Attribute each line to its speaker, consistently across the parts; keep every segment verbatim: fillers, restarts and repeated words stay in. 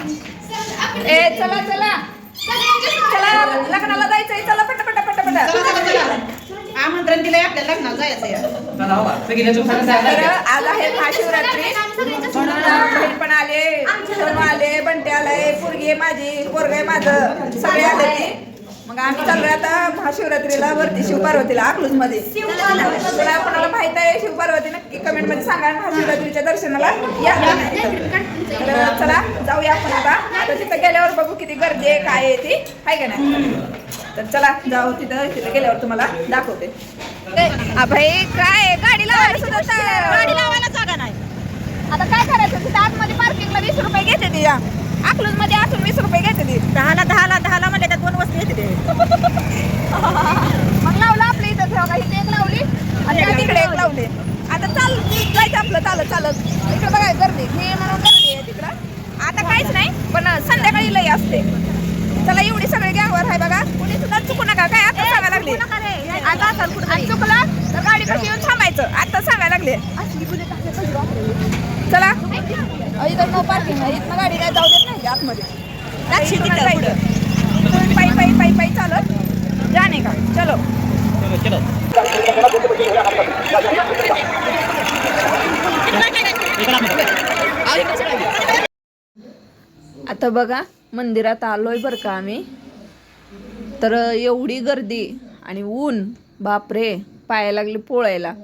Speaker 1: ए चला चला चला लग्नाला जायचंय चला पट पट पट पट
Speaker 2: आमंत्रण दिलंय आपल्या लग्नाला जायचंय.
Speaker 1: तर आज आहे महाशिवरात्री म्हणून बहीण पण आले सोनू आले बंटे आलाय पोरगी आहे माझी पोरग आहे माझं सगळे आले ते. मग आम्ही चाललोय आता महाशिवरात्रीला वरती शिवपार्वतीला अकलूज मध्ये. तुला कोणाला माहित आहे शिवपार्वती नक्की कमेंट मध्ये सांगा. महाशिवरात्रीच्या दर्शनाला या. तर चला जाऊया आपण आता. आता तिथं गेल्यावर बघू किती गर्दी आहे काय आहे ती आहे का नाही. तर चला जाऊ तिथं तिथं गेल्यावर तुम्हाला दाखवते. भाई काय गाडी लावायला सुद्धा गाडी लावायला जागा नाही. आता काय करायचं तिथं आतमध्ये पार्किंगला वीस रुपये घेते ती. या अकलूज मध्ये असून वीस रुपये घेते ती.
Speaker 2: दहाला दहाला दहाला म्हणले तर दोन वस्तू येते.
Speaker 1: मग लावलं आपल्या इथं ठेवा इथे एक लावली आणि तिकडे एक लावली. आता चाल जायचं आपलं चालत चालत इकडे बघाय गर्दी हे म्हणून गर्दी आहे तिकडं. आता काहीच नाही पण संध्याकाळी लई असते. चला एवढी सगळे गॅंगवर आहे बघा. कुणी सुद्धा चुकू नका काय आता सांगायला लागले. आता चुकलं तर गाडी कशी येऊन थांबायचं आता सांगायला लागले. चला इथं नो पार्किंग आहे इथं गाडी काय जाऊ देत नाही आतमध्ये. पायी पायी पायी पायी चालत जाणे का चलो चलो. आता बघा मंदिरात आलोय बरं का आम्ही. तर एवढी गर्दी आणि ऊन बापरे पाया लागले पोळायला.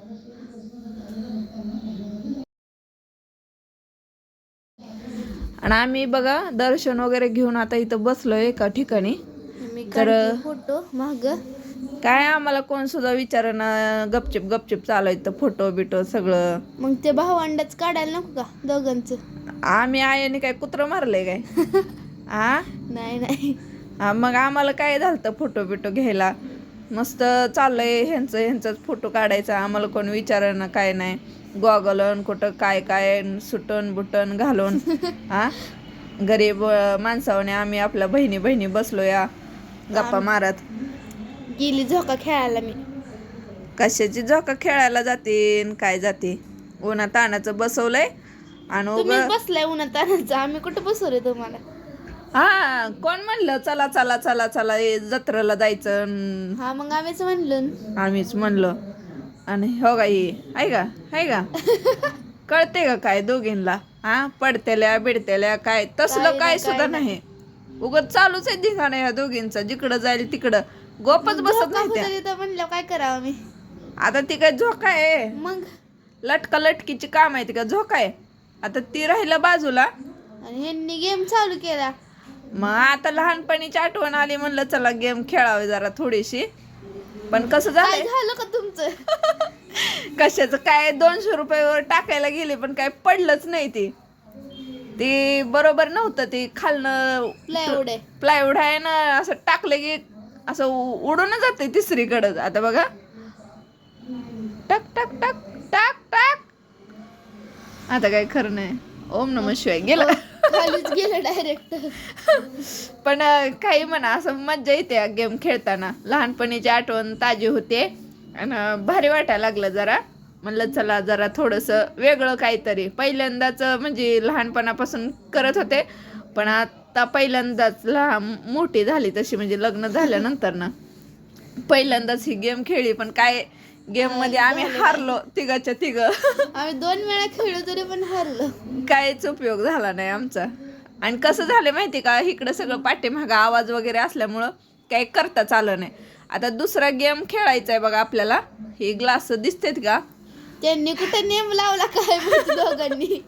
Speaker 1: आणि आम्ही बघा दर्शन वगैरे घेऊन आता इथं बसलोय एका ठिकाणी. तर
Speaker 3: फोटो माग
Speaker 1: काय आम्हाला कोण सुद्धा विचारणं गपचिप गपचिप चालायचं फोटो बिटो सगळं.
Speaker 3: मग ते भावंडच काढायला नको का दोघांचं.
Speaker 1: आम्ही आयाने काय कुत्र मारलंय काय आ
Speaker 3: नाही नाही
Speaker 1: हा मग आम्हाला काय झालं फोटो बिटो घ्यायला. मस्त चाललंय ह्यांचं ह्यांचाच फोटो काढायचा. आम्हाला कोण विचारणं काय नाही. गॉगलन कुठं काय काय सुटन बुटन घालून हा गरीब माणसाने आम्ही आपल्या बहिणी बहिणी बसलो या गप्पा मारत.
Speaker 3: गेली झोका खेळायला मी.
Speaker 1: कशाची झोका खेळायला जाते काय जाते. उन्हा तानाचं बसवलंय आणि
Speaker 3: तुम्ही बसलाय उन्हात तानाचं आम्ही कुठं बसवलंय तुम्हाला.
Speaker 1: हा कोण म्हणलं चला चला चला चला जत्रेला जायचं.
Speaker 3: हा मग आम्हीच म्हणलो
Speaker 1: आम्हीच म्हणलो. आणि हो का ही आहे का आहे का कळते का काय दोघींना हा पडतेल्या बिडतेल्या काय तसलं काय सुद्धा नाही. उगत चालूच आहे दिघाणं या दोघींचा. जिकडं जाईल तिकडं गोपच बसत नाही.
Speaker 3: म्हणलं काय करावं मी
Speaker 1: आता ती काय झोका आहे
Speaker 3: मग
Speaker 1: लटका लटकीची काम आहे ती का झोका आहे. आता ती राहिलं बाजूला
Speaker 3: आणि ह्यांनी गेम चालू केला.
Speaker 1: मग आता लहानपणीची आठवण आली म्हणलं चला गेम खेळावी जरा थोडीशी. पण कसं
Speaker 3: काय
Speaker 1: झालं
Speaker 3: झालं का तुमचं.
Speaker 1: कशाचं काय दोनशे रुपयावर टाकायला गेले पण काय पडलंच नाही. ती ती बरोबर नव्हतं. ती खालनं
Speaker 3: प्लायवूड आहे
Speaker 1: प्लायवूड आहे ना असं टाकलं की असं उडून जाते तिसरीकडं. आता बघा टक टक टक टाक टाक. आता काय खरं नाही. ओम नमः शिवाय गेलं
Speaker 3: खालीच गेलं डायरेक्ट.
Speaker 1: पण काही म्हणा असं मज्जा येते गेम खेळताना. लहानपणीची आठवण ताजी होते आणि भारी वाटायला लागलं जरा. म्हणलं चला जरा थोडंसं वेगळं काहीतरी. पहिल्यांदाच म्हणजे लहानपणापासून करत होते पण आता पहिल्यांदाच लहान मोठी झाली तशी म्हणजे लग्न झाल्यानंतर ना पहिल्यांदाच ही गेम खेळली. पण काय गेम मध्ये आम्ही हारलो तिघाच्या तिघ.
Speaker 3: आम्ही दोन वेळा खेळलो तरी पण हारलो.
Speaker 1: काहीच उपयोग झाला नाही आमचा. आणि कसं झालं माहिती का इकडं सगळं पाठीमागं आवाज वगैरे असल्यामुळं काही करता चालं नाही. आता दुसरा गेम खेळायचा आहे बघा आपल्याला. हे ग्लास दिसतेत का
Speaker 3: त्यांनी कुठे नेम लावला काय माहिती दोघांनी.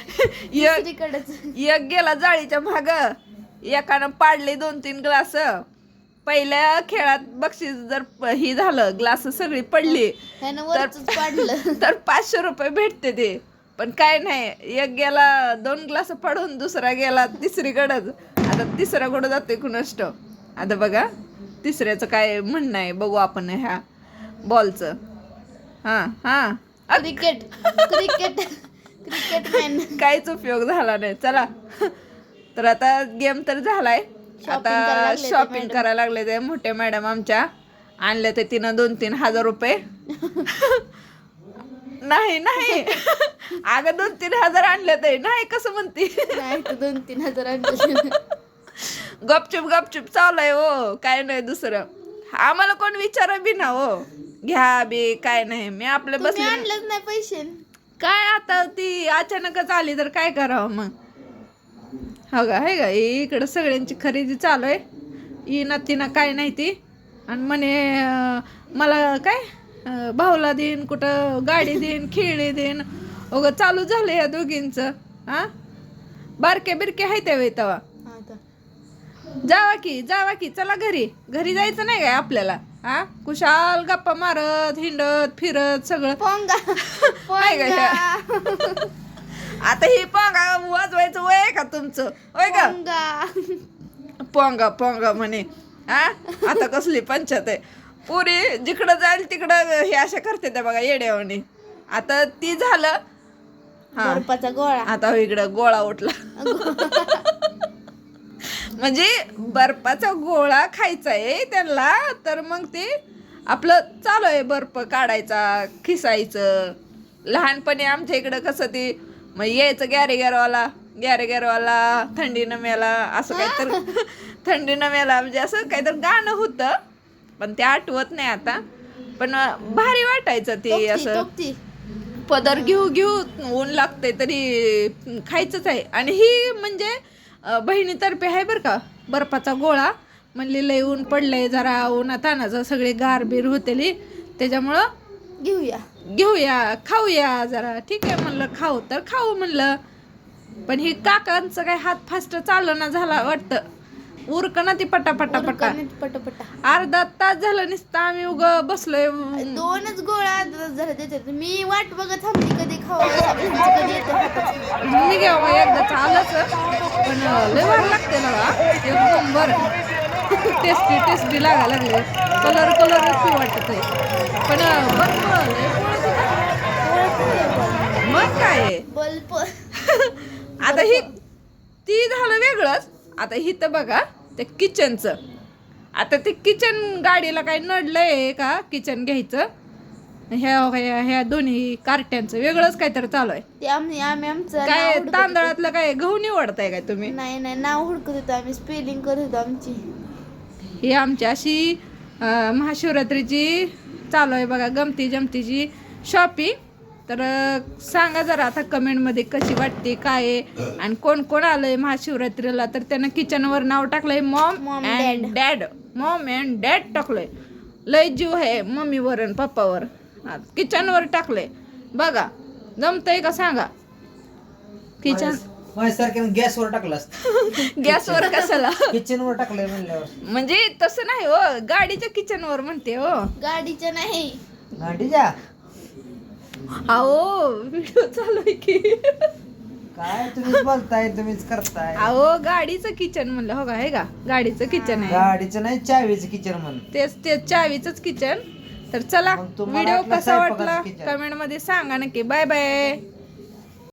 Speaker 1: एक गेला जाळीच्या माग एकानं पाडले दोन तीन ग्लास. पहिल्या खेळात बक्षीस जर ही झालं ग्लास सगळी पडली
Speaker 3: पाडलं
Speaker 1: तर पाचशे रुपये भेटते ते. पण काय नाही एक गेला दोन ग्लास पडून दुसरा गेला तिसरीकडंच. आता तिसरा कुठं जातोय कुणाष्ट. आता बघा तिसऱ्याचं काय म्हणणं आहे बघू आपण ह्या बॉलचं. हा हा
Speaker 3: क्रिकेट क्रिकेट क्रिकेट मॅन.
Speaker 1: काहीच उपयोग झाला नाही. चला तर आता गेम तर झालाय. आता शॉपिंग करायला लागले ते मोठे मॅडम आमच्या. आणले ते तिनं दोन तीन हजार रुपये नाही नाही अगं दोन तीन हजार आणले तरी नाही कसं म्हणते.
Speaker 3: नाही तर दोन तीन हजार आणले.
Speaker 1: गपचूप गपचूप चालू हो, काय नाही दुसरं. आम्हाला कोण विचार बी ना हो, घ्या बी काय नाही. मी आपलं
Speaker 3: तुम्ही
Speaker 1: बसले
Speaker 3: आणलंच नाही पैसे.
Speaker 1: काय आता ती अचानकच आली तर काय करावं मग. हो का हे का इकडं सगळ्यांची खरेदी चालू आहे. येणार तिनं काय नाही ती. आणि म्हणे अं, मला काय अं, भाऊला देईन, कुठं गाडी देईन, खेळी देईन. अगं चालू झालं या दोघींचं. हा बारके बिरके आहे त्या वेळी तेव्हा.
Speaker 3: आता
Speaker 1: जावा की जावा की चला घरी. घरी जायचं नाही काय आपल्याला. हा कुशाल गप्पा मारत हिंडत फिरत सगळं.
Speaker 3: पोंगा
Speaker 1: आहे का ह्या?
Speaker 3: पोंगा
Speaker 1: आता ही पोंगा वाजवायचं वय आहे का तुमचं होय का.
Speaker 3: पोंगा
Speaker 1: पोंगा पोंगा म्हणे. हा आता कसली पंचायत आहे. पुरी जिकडं जाईल तिकडं हे अशा करते त्या बघा येड्यावानी. आता ती झालं. हा
Speaker 3: बर्फाचा गोळा.
Speaker 1: आता इकडं गोळा उठला. म्हणजे बर्फाचा गोळा खायचा आहे त्यांना. तर मग ते आपलं चालू आहे बर्फ काढायचा खिसायचं. लहानपणी आमच्या इकडं कसं ते मग यायचं गॅरे गॅरवाला गॅरे गॅरवाला थंडीनं मेला असं काहीतरी. थंडीनं मेला म्हणजे असं काहीतरी गाणं होतं पण ते आठवत नाही आता. पण भारी वाटायचं ते
Speaker 3: टोपती,
Speaker 1: असं.
Speaker 3: टोपती.
Speaker 1: पदर घेऊ घेऊ ऊन लागते तरी खायचंच आहे. आणि ही म्हणजे अं, बहिणीतर्फे आहे बरं का बर्फाचा गोळा. म्हणली लय ऊन पडलंय जरा उन्हा तानाचं सगळे गारबीर होतेली त्याच्यामुळं
Speaker 3: घेऊया
Speaker 1: घेऊया खाऊया जरा. ठीक आहे म्हणलं खाऊ तर खाऊ म्हणलं. पण ही काकांचं काय हात फास्ट चालना झाला वाटतं. उरक ना ती पटा पटा पटा.
Speaker 3: पटापटा.
Speaker 1: अर्धा तास झालं नुसतं आम्ही उग बसलोय.
Speaker 3: दोनच गोळा जरा देतात. मी वाट बघत थांबली कधी खावा कधी येते हातात.
Speaker 1: मी घ्या बघा एकदा चालच पण लय वार लागते ना बा. एकदम बरं टेस्टी टेस्टी लागा लागले. कलर कलर वाटत आहे पण बर्फ लय पोळत होता. मग काय
Speaker 3: बल्ब.
Speaker 1: आता ही ती झालं वेगळंच. आता ही तर बघा ते किचनचं. आता ते किचन गाडीला काय नडलंय का किचन घ्यायचं. ह्या ह्या ह्या दोन्ही कार्ट्यांचं वेगळंच काहीतरी चालू आहे.
Speaker 3: ते आम्ही आम्ही आमचं
Speaker 1: काय
Speaker 3: नाव हुडकत
Speaker 1: तांदळातलं काय गहू निवडताय काय तुम्ही.
Speaker 3: होतो. नाही नाही नाव हुडकत होतो आम्ही. स्पेलिंग करत होतो आमची.
Speaker 1: ही आमची अशी अं, महाशिवरात्रीची चालू आहे बघा गमती जमतीची शॉपिंग. तर अं, सांगा जरा आता कमेंटमध्ये कशी वाटते काय आहे. आणि कोण कोण आलंय महाशिवरात्रीला तर त्यानं किचनवर नाव टाकलंय mom
Speaker 3: Mom,
Speaker 1: and dad. Mom and dad टाकलंय. लय जीव आहे मम्मीवर आणि पप्पावर. हा, किचनवर टाकलंय बघा. जमतंय का सांगा. किचन
Speaker 4: माझ्यासारख्यानं गॅसवर टाकलं असतं.
Speaker 1: गॅसवर कशाला.
Speaker 4: किचनवर टाकलंय म्हणल्यावर.
Speaker 1: म्हणजे तसं नाही हो गाडीच्या किचनवर म्हणते हो.
Speaker 3: गाडीचं नाही.
Speaker 4: गाडीच्या
Speaker 1: अहो व्हिडिओ चालू आहे की.
Speaker 4: काय तुम्हीच बोलताय तुम्हीच करताय.
Speaker 1: अहो गाडीचं किचन म्हणलं हो का हे का गाडीचं किचन आहे.
Speaker 4: गाडीचं नाही चावीचं किचन म्हण.
Speaker 1: तेच ते चावीचंच किचन. तर चला
Speaker 4: मग तुम्हाला
Speaker 1: व्हिडिओ
Speaker 4: वाटलं
Speaker 1: कसा
Speaker 4: स्वयंपाकाचं
Speaker 1: वाटला
Speaker 4: kitchen.
Speaker 1: कमेंट मध्ये सांगा नक्की. Bye bye.